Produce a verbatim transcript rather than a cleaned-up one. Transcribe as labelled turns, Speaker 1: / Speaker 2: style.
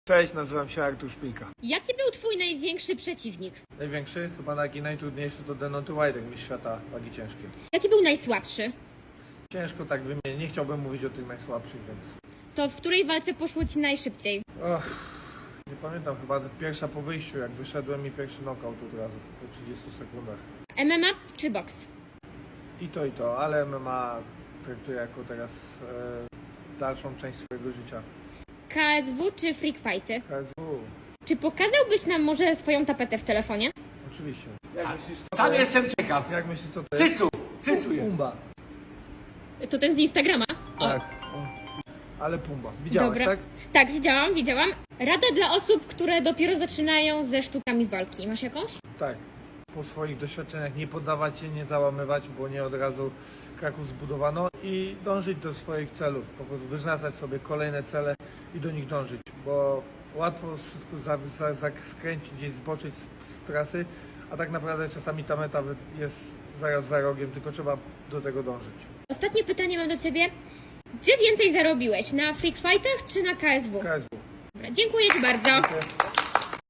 Speaker 1: Cześć, nazywam się Artur Szpilka.
Speaker 2: Jaki był twój największy przeciwnik?
Speaker 1: Największy, chyba taki najtrudniejszy to Deontay Wilder, mistrz świata wagi ciężkiej.
Speaker 2: Jaki był najsłabszy?
Speaker 1: Ciężko tak wymienić, nie chciałbym mówić o tych najsłabszych, więc...
Speaker 2: To w której walce poszło ci najszybciej?
Speaker 1: Och, nie pamiętam, chyba pierwsza po wyjściu, jak wyszedłem i pierwszy knockout od razu po trzydziestu sekundach.
Speaker 2: M M A czy boks?
Speaker 1: I to, i to, ale M M A traktuję jako teraz e, dalszą część swojego życia.
Speaker 2: K S W czy freak fighty?
Speaker 1: K S W,
Speaker 2: Czy pokazałbyś nam może swoją tapetę w telefonie?
Speaker 1: oczywiście. Jak myślisz, co
Speaker 3: Sam
Speaker 1: to jest?
Speaker 3: jestem ciekaw.
Speaker 1: Jak myślisz, co to jest?
Speaker 3: Cycu, cycu jest.
Speaker 1: Pumba.
Speaker 2: To ten z Instagrama? O,
Speaker 1: Tak. O. Ale Pumba. Widziałeś,
Speaker 2: dobra.
Speaker 1: tak?
Speaker 2: Tak, widziałam, widziałam. Rada dla osób, które dopiero zaczynają ze sztukami walki. Masz jakąś?
Speaker 1: Tak. Po swoich doświadczeniach nie poddawać się, nie załamywać, bo nie od razu Kraków zbudowano i dążyć do swoich celów. Po prostu wyznaczać sobie kolejne cele i do nich dążyć, bo łatwo wszystko za, za, za skręcić, gdzieś zboczyć z, z trasy, a tak naprawdę czasami ta meta wy- jest zaraz za rogiem, tylko trzeba do tego dążyć.
Speaker 2: Ostatnie pytanie mam do ciebie. Gdzie więcej zarobiłeś? Na freak fightach czy na K S W?
Speaker 1: K S W.
Speaker 2: Dobra, dziękuję ci bardzo.
Speaker 1: Dziękuję.